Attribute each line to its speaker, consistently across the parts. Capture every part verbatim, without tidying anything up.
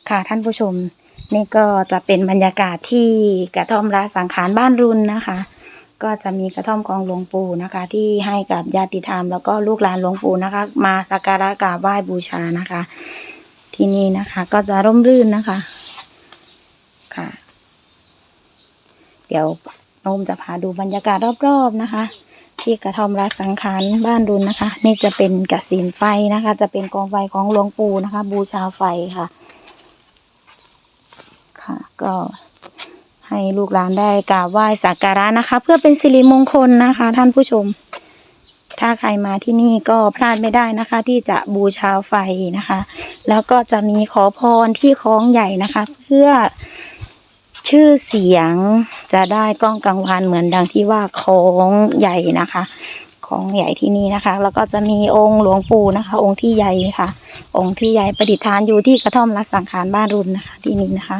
Speaker 1: ค่ะท่านผู้ชมนี่ก็จะเป็นบรรยากาศที่กระท่อมละสังขารบ้านรุนนะคะ ก็จะมีกระท่อมของหลวงปู่นะคะ ที่ให้กับญาติธรรมแล้วก็ลูกหลานหลวงปู่นะคะ มาสักการะกราบไหว้บูชานะคะ ที่นี่นะคะ ก็จะร่มรื่นนะคะค่ะ เดี๋ยวน้องจะพาดูบรรยากาศรอบๆนะคะ ที่กระท่อมละสังขารบ้านรุนนะคะ นี่จะเป็นกฐินไฟนะคะ จะเป็นกองไฟของหลวงปู่นะคะ บูชาไฟค่ะค่ะก็ให้ลูกหลานได้กราบไหว้สักการะนะคะ เพื่อเป็นสิริมงคลนะคะ ท่านผู้ชมถ้าใครมาที่นี่ก็พลาดไม่ได้นะคะ ที่จะบูชาไฟนะคะ แล้วก็จะมีขอพรที่คล้องใหญ่นะคะ เพื่อชื่อเสียงจะได้ก้องกังวานเหมือนดังที่ว่าคล้องใหญ่นะคะของใหญ่ที่นี่นะคะแล้วก็จะมีองค์หลวงปู่นะคะ องค์ที่ใหญ่ค่ะ องค์ที่ใหญ่ประดิษฐานอยู่ที่กระท่อมละสังขารบ้านรุนนะคะ ที่นี่นะคะ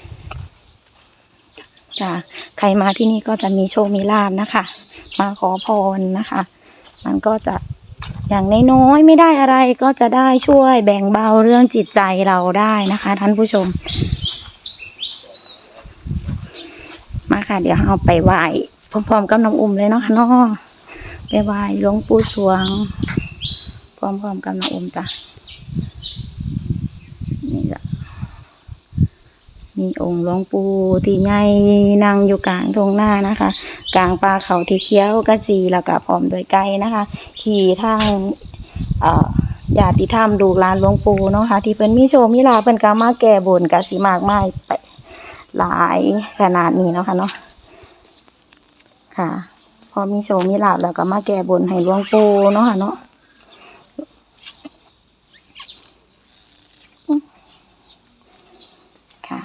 Speaker 1: ค่ะใครมาที่นี่ก็จะมีโชคมีลาภนะคะ มาขอพรนะคะ มันก็จะอย่างน้อยๆไม่ได้อะไรก็จะได้ช่วยแบ่งเบาเรื่องจิตใจเราได้นะคะ ท่านผู้ชมมาค่ะเดี๋ยวเอาไปไหว้พร้อมๆกับน้องอุ้มเลยเนาะค่ะเนาะไปไหว้หลวงปู่สวงพร้อมๆกับน้องอุ้มจ้ะนี่จ้ะมีองค์หลวงปู่ที่ใหญ่นั่งอยู่กลางทุ่งนานะคะ กลางป่าเขาที่เขียวกระจีแล้วก็พร้อมด้วยไก่นะคะขี่ทางเอ่อญาติธรรมลูกหลานหลวงปู่เนาะค่ะที่เพิ่นมีโชคมีลาภเพิ่นก็มาแก้บนก็สิมากมายไปหลายขนาดนี้เนาะค่ะเนาะค่ะพอมีโชคมีลาภแล้วก็มาแก้บนให้หลวงปู่เนาะค่ะเนาะค่ะ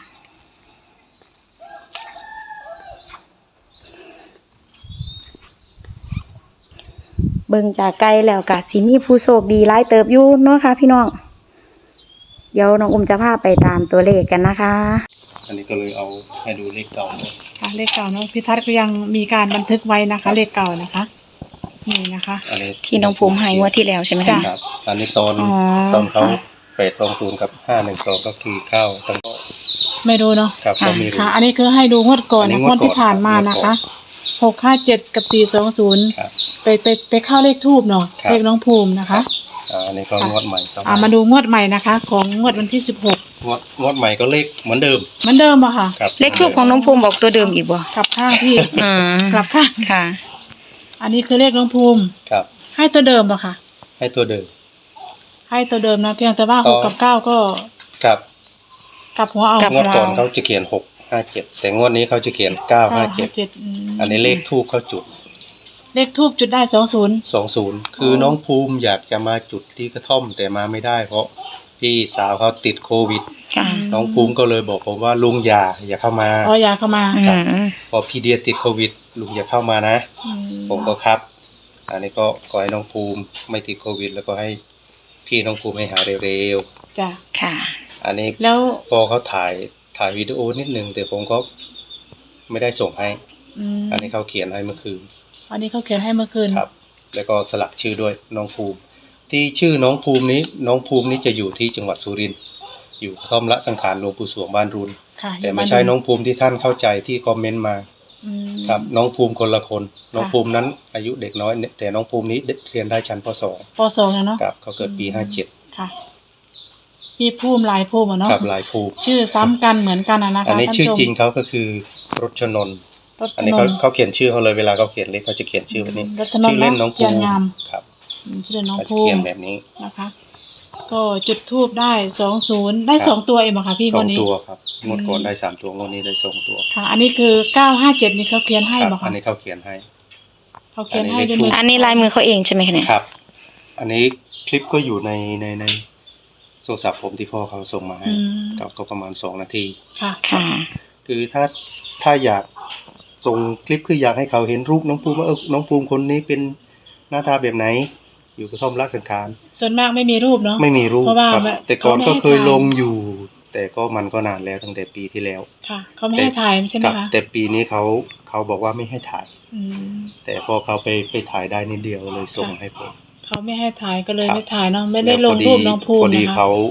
Speaker 1: เบิ่งจากไกลแล้วก็สิมีผู้โชคดีหลายเติบอยู่เนาะค่ะพี่น้องเดี๋ยวน้องอุ้มจะพาไปตามตัวเลขกันนะคะ
Speaker 2: อันนี้ก็เลยเอาให้ดูเลขเก่าเลย
Speaker 3: ค่ะเลขเก่าเนาะพี่ทัศน์ก็ยังมีการบันทึกไว้นะคะ เลขเก่านะคะนี่นะคะ
Speaker 2: อันนี้
Speaker 1: ที่น้องภูมิให้งวดที่แล้วใช่ไหมคะ
Speaker 2: ครับอันนี้ตอนตอนเขาแปดสองศูนย์กับห้าหนึ่งสองก็คือเข้าตั้ง
Speaker 3: ไม่รู้เนาะ
Speaker 2: ครับก็มี
Speaker 3: ค่ะอันนี้คือให้ดูงวดก่อนนะงวดที่ผ่านมานะคะหกห้าเจ็ดกับสี่สองศูนย์ไปไปไปเข้าเลขทูบเนาะเลขน้องภูมินะคะ
Speaker 2: อันนี้ก็งวดใหม่
Speaker 3: อ่ามาดูงวดใหม่นะคะ ของงวดวันที่สิบหก
Speaker 2: งวดงวดใหม่ก็เลขเหมือนเดิม
Speaker 3: เหมือนเดิมอะค่ะ
Speaker 1: เลขทูบของน้องภูมิบอกตัวเดิมอีกบ่
Speaker 3: กลับข้างพี่
Speaker 1: อืม
Speaker 3: กลับข้าง
Speaker 1: ค่ะ
Speaker 3: อันนี้คือเลขน้องภูมิ
Speaker 2: ครับ
Speaker 3: ให้ตัวเดิมอะค่ะ
Speaker 2: ให้ตัวเดิม
Speaker 3: ให้ตัวเดิมนะเพียงแต่ว่าหกกับเก้าก็
Speaker 2: ครับ
Speaker 3: กลับหัวเอา
Speaker 2: งวดก่อนเขาจะเขียนหกห้าเจ็ดแต่งวดนี้เขาจะเขียนเก้าห้าเจ็ดอันนี้เลขทูบเขาจุด
Speaker 3: เลขทูบจุดได้สองศูนย์
Speaker 2: สองศูนย์คือน้องภูมิอยากจะมาจุดที่กระท่อมแต่มาไม่ได้เพราะพี่สาวเขาติดโควิดน้องภูมิก็เลยบอกผมว่าลุงอย่าอย่าเข้ามา
Speaker 3: อ๋ออย่าเข้ามา
Speaker 2: พอพี่เดียติดโควิดลุงอย่าเข้ามานะผมก็ครับอันนี้ก็ขอให้น้องภูมิไม่ติดโควิดแล้วก็ให้พี่น้องภูมิให้หายเร็ว
Speaker 3: ๆจ้ะ
Speaker 1: ค่ะ
Speaker 2: อันนี้
Speaker 3: แล้ว
Speaker 2: พอเขาถ่ายถ่ายวิดีโอนิดนึงแต่ผมก็ไม่ได้ส่งให้อันนี้เขาเขียนให้เมื่อคืน
Speaker 3: อันนี้เขาเขียนให้เมื่อคืน
Speaker 2: ครับแล้วก็สลักชื่อด้วยน้องภูมิที่ชื่อน้องภูมินี้น้องภูมินี้จะอยู่ที่จังหวัดสุรินทร์อยู่กระท่อมละสังขารหลวงปู่สวงบ้านรุนแต่ไม่ใช่น้องภูมิที่ท่านเข้าใจที่คอมเมนต์มาครับน้องภูมิคนละคนน้องภูมินั้นอายุเด็กน้อยแต่น้องภูมินี้เรียนได้ชั้นป.สอง
Speaker 3: ป.สองเนาะ
Speaker 2: ครับเขาเกิดปีห้าเจ็ด
Speaker 3: ค่ะมีภูมิหลายภูมิเนาะ
Speaker 2: ครับหลายภูมิ
Speaker 3: ชื่อซ้ำกันเหมือนกันนะคะ
Speaker 2: อันนี้ชื่อจริงเขาก็คือรจนนท์อันนี้เขาเขาเขียนชื่อเขาเลยเวลาเขาเขียนเลขเขาจะเขียนชื่อแบบนี้ชื่อเล่นน้องภูมิครับ
Speaker 3: ชื่อเล่นน้องภูมิ
Speaker 2: เขียนแบบนี้
Speaker 3: นะคะก็จุดทูบได้สองศูนย์ได้สองตัวเองเหรอคะพี่
Speaker 2: ส
Speaker 3: อ
Speaker 2: งตัวครับงวดก่อนได้สามตัวงวดนี้ได้สองตัว
Speaker 3: ค่ะอันนี้คือเก้าห้าเจ็ดนี่เขาเขียนให้เหรอคะ
Speaker 2: อันนี้เขาเขียนให้
Speaker 3: เขาเขียนให้ด้วย
Speaker 1: อันนี้ลายมือเขาเองใช่ไหมคะเนี่ย
Speaker 2: ครับอันนี้คลิปก็อยู่ในในในโทรศัพท์ผมที่พ่อเขาส่งมาให้ก็ประมาณสองนาที
Speaker 3: ค่ะค่ะ
Speaker 2: คือถ้าถ้าอยากส่งคลิปคืออยากให้เขาเห็นรูปน้องภูมิว่าเออน้องภูมิคนนี้เป็นหน้าตาแบบไหนอยู่กระท่อมละสังขาร
Speaker 3: ส่วนมากไม่มีรูปเนาะ
Speaker 2: ไม่มีรูปครับแต่ก่อนก็เคยลงอยู่แต่ก็มันก็นานแล้วตั้งแต่ปีที่แล้ว
Speaker 3: ค่ะเขาไม่ให้ถ่ายใช่ไหมคะ
Speaker 2: แต่ปีนี้เขาเขาบอกว่าไม่ให้ถ่ายแต่พอเขาไปไปถ่ายได้นิดเดียวเลยส่งให้ผม
Speaker 3: เขาไม่ให้ถ่ายก็เลยไม่ถ่ายเนาะไม่ได้ลงรูปน้องภูมิ
Speaker 2: พอดีเขา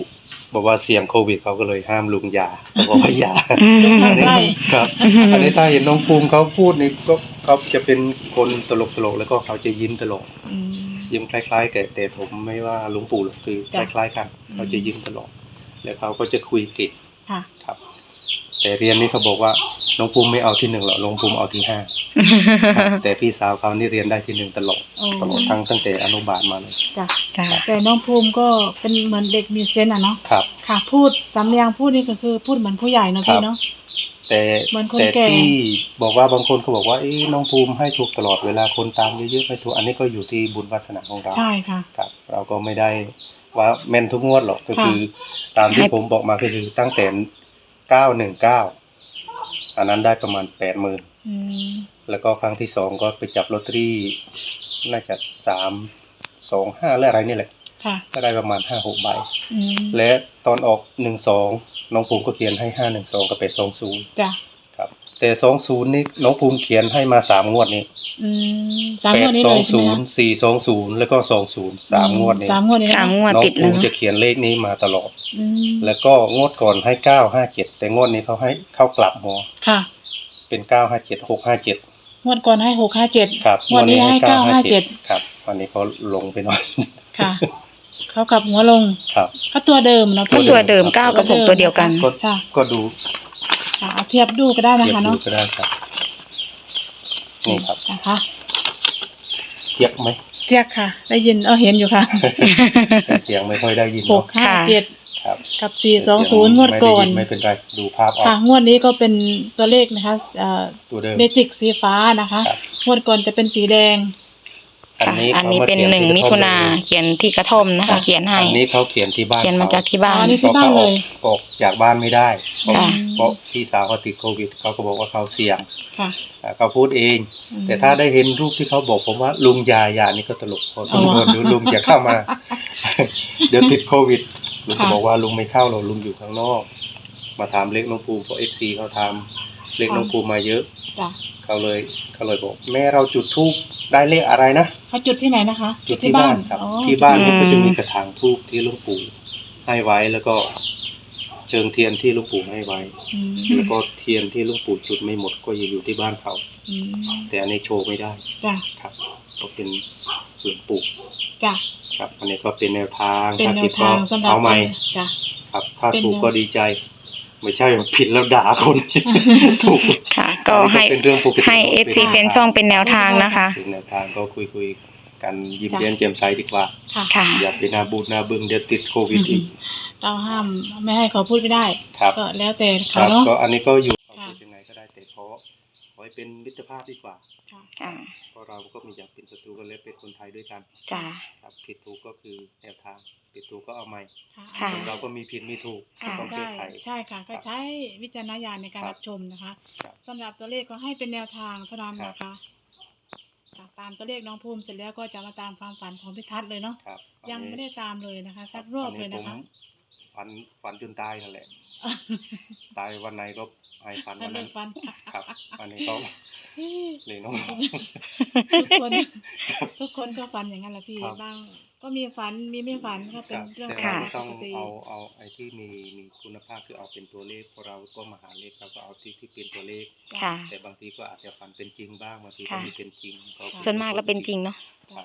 Speaker 2: บอกว่าเสี่ยงโควิดเขาก็เลยห้ามลุงยาบอกว่าอย่า
Speaker 1: อืม
Speaker 2: อันนี้ครับอันนี้ถ้าเห็นน้องภูมิเขาพูดนี่ก็เขาจะเป็นคนตลกตลกๆแล้วก็เขาจะยิ้มตลอด
Speaker 3: อืม
Speaker 2: ยิ้มคล้ายๆแต่แต่ผมไม่ว่าหลุงปู่หรอกคือค
Speaker 3: จ้ะ
Speaker 2: ล้ายๆกัน
Speaker 3: อืม
Speaker 2: เขาจะยิ้มตลอดแล้วเขาก็จะคุยเก่ง
Speaker 3: ค่ะ
Speaker 2: ครับ แต่เรียนนี่เขาบอกว่าน้องภูมิไม่เอาที่หนึ่งหรอกน้องภูมิเอาที่ห้าครับแต่พี่สาวเขานี่เรียนได้ที่หนึ่งตลอด
Speaker 3: โอ้
Speaker 2: ตลอดทั้งตั้งแต่อนุบาลมาเลย
Speaker 3: จ้ะ
Speaker 1: จ้ะ
Speaker 3: แต่น้องภูมิก็เป็นเหมือนเด็กมีเซนส์อ่ะเนาะ
Speaker 2: ครับ
Speaker 3: ค่ะ พูดสำเนียงพูดนี่ก็คือพูดเหมือนผู้ใหญ่เนาะ
Speaker 2: ครั
Speaker 3: พี่
Speaker 2: บ
Speaker 3: เนาะ
Speaker 2: แต่
Speaker 3: เหมือนคน
Speaker 2: แต่
Speaker 3: แก่
Speaker 2: ที่บอกว่าบางคนเขาบอกว่าเอ้น้องภูมิให้ถูกตลอดเวลาคนตามเยอะๆไม่ถูกอันนี้ก็อยู่ที่บุญวาสนาของเรา
Speaker 3: ใช่ค่ะ
Speaker 2: ครับ เราก็ไม่ได้ว่าแม่นทุกงวดหรอกก็
Speaker 3: ค่ะ
Speaker 2: คือ ตามที่ผมบอกมาก็คือตั้งแต่เก้าหนึ่งเก้าอันนั้นได้ประมาณแปดหมื่น
Speaker 3: อืม
Speaker 2: แล้วก็ครั้งที่สองก็ไปจับลอตเตอรี่น่าจะสามสองห้าและอะไรนี่แหละ
Speaker 3: ค่ะ
Speaker 2: ก็ได้ประมาณห้าหกใบ
Speaker 3: อืม
Speaker 2: และตอนออกหนึ่งสองน้องภูมิก็เขียนให้ห้าหนึ่งสองกับเป็ดสองศูนย์
Speaker 3: จ้ะ
Speaker 2: ครับ แต่สองศูนย์นี่น้องภูมิเขียนให้มาสามงวดนี้
Speaker 3: อืมสาม
Speaker 2: แป
Speaker 3: งว
Speaker 2: ด
Speaker 3: ดนี้
Speaker 2: สอ
Speaker 3: เล
Speaker 2: ง
Speaker 3: ยใช่
Speaker 2: ศู
Speaker 3: ไหม
Speaker 2: นย์
Speaker 3: คะ
Speaker 2: สี่สองศูนย์แล้วก็สองศูนย์สามงวดนี้
Speaker 3: สามงวดนี้นะ
Speaker 1: สามงวด
Speaker 2: น้อง
Speaker 1: ติด
Speaker 2: ภู
Speaker 1: แล้ว
Speaker 2: มิ
Speaker 1: เนาะ
Speaker 2: จะเขียนเลขนี้มาตลอด
Speaker 3: อืม
Speaker 2: แล้วก็งวดก่อนให้เก้าห้าเจ็ดแต่งวดนี้เขาให้เข้ากลับหัว
Speaker 3: ค่ะ
Speaker 2: เป็นเก้าห้าเจ็ดหกห้าเจ็ด
Speaker 3: งวดก่อนให้หกห้าเจ็ด
Speaker 2: ครับ
Speaker 3: งวดนี้ให้เก้าห้าเจ็ด
Speaker 2: ครับวันนี้เขาลงไปหน่อย
Speaker 3: ค่ะ เขากลับหัวลง
Speaker 2: ครับ
Speaker 3: ก็ตัวเดิมเนาะ
Speaker 1: ก็
Speaker 3: พี่
Speaker 1: ตัวเดิมเก้ากับหกตัวเดียวกัน
Speaker 2: ก็
Speaker 3: ใช่
Speaker 2: ก็ดู
Speaker 3: ค่ะเอาเทียบดูก็ได้นะ
Speaker 2: เทียบ
Speaker 3: คะ
Speaker 2: ดู
Speaker 3: เนาะ
Speaker 2: ก็ได้ครับนี่ครับ
Speaker 3: นะคะ
Speaker 2: เทียบไหม
Speaker 3: เจียกค่ะ ได้ยินเออเห็นอยู่ค่ะ
Speaker 2: แต่เสียงไม่ค่อยได้ยิน
Speaker 3: ห
Speaker 2: เนาะ
Speaker 3: กห้าเจ็ด
Speaker 2: ครับ
Speaker 3: กับสี่สองศูนย์งวดก่อน
Speaker 2: ไม่ได้ยิไม่เป็นไรดูภาพออก
Speaker 3: ค่ะ งวดนี้ก็เป็นตัวเลขนะคะเอ่อ
Speaker 2: ตัวเดิม
Speaker 3: เมจิกสีฟ้านะคะ
Speaker 2: ครับ
Speaker 3: งวดก่อนจะเป็นสีแดง
Speaker 2: อัน
Speaker 1: ค่ะ
Speaker 2: นี้
Speaker 1: อันนี้
Speaker 2: ขาา
Speaker 1: เป็น
Speaker 2: ขีย
Speaker 1: หนึ่ง
Speaker 2: ที่
Speaker 1: มิ
Speaker 2: กระ
Speaker 1: ถุ
Speaker 2: ท่อ
Speaker 1: นา
Speaker 2: เลย
Speaker 1: เขียนที่กระท่อมนะคะ เขียนให้
Speaker 2: อันนี้เขาเขียนที่บ้าน
Speaker 1: เขียนมาจากที่บ้าน
Speaker 3: อ๋อนี่
Speaker 2: เพราะเขาออกออกจากบ้านไม่ได้เพราะ
Speaker 1: ค่ะ
Speaker 2: เพราะพี่สาวเขาติดโควิดเขาก็บอกว่าเขาเสี่ยง
Speaker 3: ค่ะ
Speaker 2: อ่าเขาพูดเอง
Speaker 3: อืม
Speaker 2: แต่ถ้าได้เห็นรูปที่เขาบอกผมว่าลุงยายานี่ก็ตลกพอสมควร
Speaker 3: อ๋อ
Speaker 2: เดี๋ยวลุงจะเข้ามา เดี๋ยวติดโควิดลุงก็
Speaker 3: ค่ะ
Speaker 2: บอกว่าลุงไม่เข้าหรอกลุงอยู่ข้างนอก มาถามเลขน้องภูมิเพราะเอฟซีเขาทำเลขน้องภูมิมาเยอะ
Speaker 3: จ้ะ
Speaker 2: เขาเลยเขาเลยบอก แม่เราจุดธูปได้เลขอะไรนะ
Speaker 3: เขาจุดที่ไหนนะคะ
Speaker 2: จุดที่บ้านครับ
Speaker 3: อ๋อ
Speaker 2: ที่บ้าน
Speaker 1: อืม
Speaker 2: นี่ก็จะมีกระถางธูปที่หลุงปู่ให้ไว้แล้วก็เชิงเทียนที่หลุงปู่ให้ไว้
Speaker 3: อืม
Speaker 2: แล้วก็เทียนที่หลุงปู่จุดไม่หมดก็ยังอยู่ที่บ้านเขา
Speaker 3: อืม
Speaker 2: แต่อันนี้โชว์ไม่ได้
Speaker 3: จ้ะ
Speaker 2: ครับก็เป็นหลวงปู่
Speaker 3: จ้ะ
Speaker 2: ครับ อันนี้ก็เป็นแนวทาง
Speaker 3: เป็น
Speaker 2: ถ้า
Speaker 3: แน
Speaker 2: ผิ
Speaker 3: ว
Speaker 2: ด
Speaker 3: ทาง
Speaker 2: ก็
Speaker 3: สำหรับ
Speaker 2: เอาใหม่
Speaker 3: จ้ะ
Speaker 2: ครับ ถ้า
Speaker 3: เป็น
Speaker 2: ถูก
Speaker 3: แนว
Speaker 2: ก็ดีใจ ไม่ใช่ว่าผิดแล้วด่าคน ถูก
Speaker 1: ค่ะ ก็ให้
Speaker 2: อันนี้เป็นเรื่องปกติ
Speaker 1: ให้เอฟซีเป็นช่องเป็นแนวทางนะคะ
Speaker 2: เป็นแนวทางก็คุยคุยๆกันยิ้มเย้มแจ่มใสดีกว่า
Speaker 3: ค่ะ
Speaker 1: ค่ะ
Speaker 2: อย่าไปหนาบูดหนาบึ้งเดี๋ยวติดโควิดอีก
Speaker 3: เราห้ามไม่ให้เขาพูดไม่ได้
Speaker 2: ครับ
Speaker 3: ก็แล้วแต่
Speaker 2: ค
Speaker 3: เขา
Speaker 2: รับ
Speaker 3: เนาะ
Speaker 2: ก็อันนี้ก็อยู่เขา
Speaker 3: ค่ะ
Speaker 2: พูดยังไงก็ได้แต่ขอขอให้เป็นมิตรภาพดีกว่า
Speaker 3: ค่ะ
Speaker 1: ค่ะ
Speaker 2: เพราะเราก็ไมีอยากเป็นศัตรูกันและเป็นคนไทยด้วยกัน
Speaker 1: จ้า
Speaker 2: ครับผิดถูกก็คือแนวทางผิดถูกก็เอาใหม่
Speaker 1: ค่ะ
Speaker 2: คนเราก็มีผิดมีถูก
Speaker 1: ค่ะ
Speaker 2: ต้องแก้
Speaker 3: ใช่
Speaker 2: ไข
Speaker 3: ใช่ค่ะ ก็ใช้วิจารณญาณในการ
Speaker 2: ครับ
Speaker 3: รับชมนะคะ
Speaker 2: ครับ
Speaker 3: สำหรับตัวเลขก็ให้เป็นแนวทางเท่านั้น
Speaker 2: ครับ
Speaker 3: นะคะค่ะตามตัวเลขน้องภูมิเสร็จแล้วก็จะมาตามความฝันของพิทัศน์เลยเนาะ
Speaker 2: ครับ
Speaker 3: ยังไม่ได้ตามเลยนะคะ สักรอบเลยนะคะ
Speaker 2: ฝันฝันจนตายนั่นแหละ ตายวันไหนก็ให้ฝัน
Speaker 3: นั่
Speaker 2: วัน น
Speaker 3: เลิ
Speaker 2: นั้น
Speaker 3: กฟัน
Speaker 2: ครับ อันนี้ก็เลยน้อง
Speaker 3: ทุกคนทุกคนก็ฝันอย่างนั้นแหละพี่
Speaker 2: ครับ
Speaker 3: บางก็มีฝันมีไม่ฝันก็
Speaker 2: ค
Speaker 3: เป็น
Speaker 2: รับ
Speaker 3: เรื่อง
Speaker 2: แต่
Speaker 3: ป
Speaker 2: เรา
Speaker 3: ก
Speaker 2: ต้อง
Speaker 3: ติ
Speaker 2: เอาเอาไอ้ที่มีมีคุณภาพคือเอาเป็นตัวเลขเพราะเราก็มาหาเลขเราก็เอาที่ที่เป็นตัวเลข
Speaker 1: ค่ะ
Speaker 2: แต่บางทีก็อาจจะฝันเป็นจริงบ้างบางทีก็
Speaker 1: ค่ะ
Speaker 2: ไม่เป็นจริงก็
Speaker 1: ส่วนมากแล้วเป็นจริงเนาะ
Speaker 2: ครับ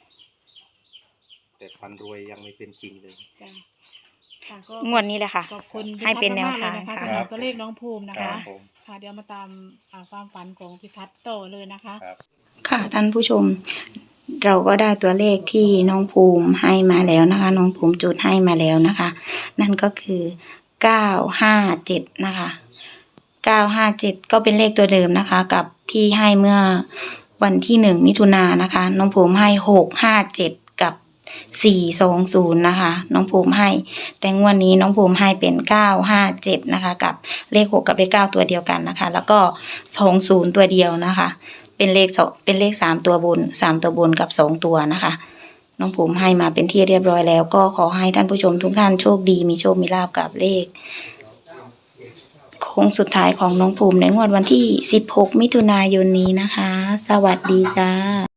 Speaker 2: แต่ฝันรวยยังไม่เป็นจริงเลย
Speaker 3: จ้ะค่ะก็
Speaker 1: งวดนี้แหละค่ะ
Speaker 3: ขอบคุณ
Speaker 1: ให้เป็นแนวทาง
Speaker 3: พิทัศน์มกๆเลยนะคะ
Speaker 1: ค่ะ
Speaker 3: สำหรับตัวเลขน้องภูมินะ
Speaker 2: ครั
Speaker 3: คะ
Speaker 2: บผม
Speaker 3: ค่ะเดี๋ยวมาตามอ่าความฝันของพิทัศน์ต่อเลยนะคะ
Speaker 2: ครับ
Speaker 1: ค่ะท่านผู้ชม เราก็ได้ตัวเลขที่น้องภูมิให้มาแล้วนะคะ น้องภูมิจุดให้มาแล้วนะคะ นั่นก็คือเก้าห้าเจ็ดนะคะเก้าห้าเจ็ดก็เป็นเลขตัวเดิมนะคะ กับที่ให้เมื่อวันที่หนึ่งมิถุนายนนะคะ น้องภูมิให้หกห้าเจ็ดกับสี่สองศูนย์นะคะ น้องภูมิให้ แต่งวดนี้น้องภูมิให้เป็นเก้าห้าเจ็ดนะคะ กับเลขหกกับเลขเก้าตัวเดียวกันนะคะ แล้วก็สองศูนย์ตัวเดียวนะคะ เป็นเลขสองเป็นเลขสามตัวบนสามตัวบนกับสองตัวนะคะ น้องภูมิให้มาเป็นที่เรียบร้อยแล้ว ก็ขอให้ท่านผู้ชมทุกท่านโชคดีมีโชคมีลาภกับเลขโค้งสุดท้ายของน้องภูมิในงวดวันที่สิบหกมิถุนายนนี้นะคะ สวัสดีจ้า